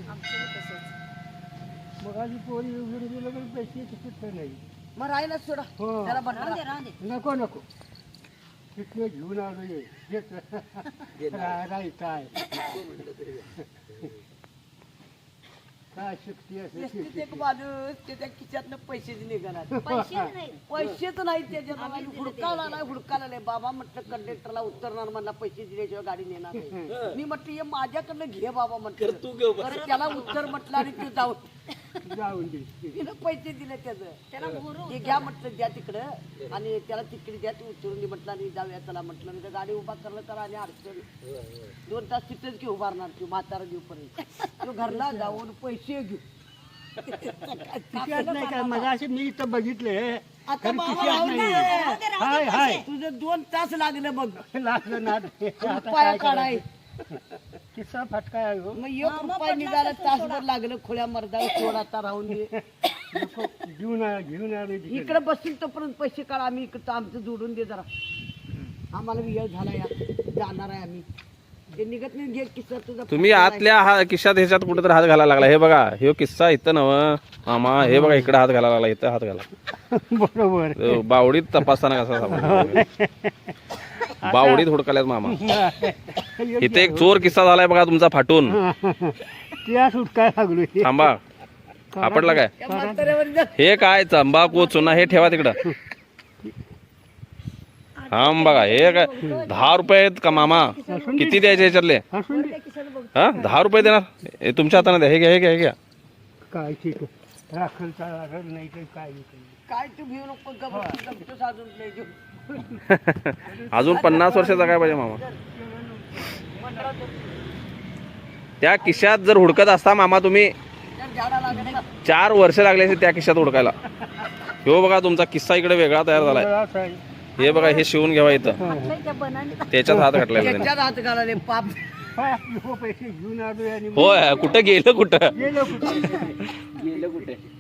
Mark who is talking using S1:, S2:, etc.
S1: मग आधी पोरी उघडून दिलं तर पैसे तिकीट नाही.
S2: मग राहिला सोडा त्याला बनवा.
S1: नको नको तिथले घेऊन आलो राही काय काय शक्ती असेल
S2: एक माणूस त्याच्या खिशातनं पैसे निघाला पैसेच नाही त्याच्या हुडकायला नाही हुडकायला नाही. बाबा म्हटलं कंडक्टरला उतरणार म्हणला पैसे दिल्याशिवाय गाडी नेणार नाही. मी म्हटलं हे माझ्याकडनं घे बाबा म्हटलं तू घेऊ. त्याला उत्तर म्हटलं आणि तू जाऊन दे. तिनं पैसे दिले त्याला हे घ्या म्हटलं द्या तिकडं आणि त्याला तिकडे द्या तू उतरून दे म्हटलं आणि जाऊया त्याला म्हटलं नाही तर गाडी उभा करलं तर आणि अडचण 2 तास तिथेच घेऊ उभारणार तू म्हातारा घेऊपर्यंत. तो घरला जाऊन पैसे घेऊ
S1: नाही काय माझा असे मी इथं बघितले.
S2: आता
S1: हाय हाय
S2: तुझं 2 तास लागलं बघ
S1: लागलं ना
S2: पाया काढाय.
S1: किस्सा फटका आहे हो.
S2: मग 1 रुपया निघाला तासभर लागलं खोल्या मर्दा सोड आता राहून दे.
S1: घेऊन आले
S2: इकडे बसतील तोपर्यंत पैसे काढा. आम्ही इकडं आमचं जोडून दे जरा आम्हाला वेळ झाला या जाणार आहे आम्ही. ते निघत नाही घे किस्सा तुझा.
S3: तुम्ही आतल्या खिशात ह्याच्यात कुठेतरी हात घालायला लागला. हे बघा हे किस्सा इथं नव मामा. हे बघा इकडे हात घालायला लागला. इथं हात घाला
S1: बरोबर.
S3: बावडीत तपासताना कसा सापडला. बावडीत हुडकाल्यात मामा. इथे एक चोर किस्सा झालाय बघा तुमचा फाटून.
S1: त्या सुटकाय लागलो.
S3: थांबा सापडला काय
S2: त्या म्हाताऱ्यावर जा.
S3: हे काय तंबाखू चुना हे ठेवा तिकडं. हा बघा हे काय 10 रुपये आहेत का मामा. किती द्यायचे ह्याच्यातले. हा 10 रुपये देणार. हे तुमच्या हाताने द्या. हे घ्या हे घ्या.
S1: काय ठीक आहे राखलचा नाही तर काय
S2: काय तू घेऊ नको गप्प साधून नाही घेऊ.
S3: अजून 50 वर्षाचा काय पाहिजे मामा. त्या खिशात जर हुडकत असता मामा तुम्ही
S2: झाडा लागला
S3: 4 वर्ष लागले असते त्या खिशात हुडकायला. हो बघा तुमचा किस्सा इकडे वेगळा तयार झालाय. हे बघा हे शिवून घ्यावा इथं. त्याच्यात हात घातलाय त्याने.
S2: त्याच्यात हात घालाले पाप.
S1: पैसे घेऊन आलो आणि
S3: होय कुठं गेलं कुठं
S1: गेलो कुठे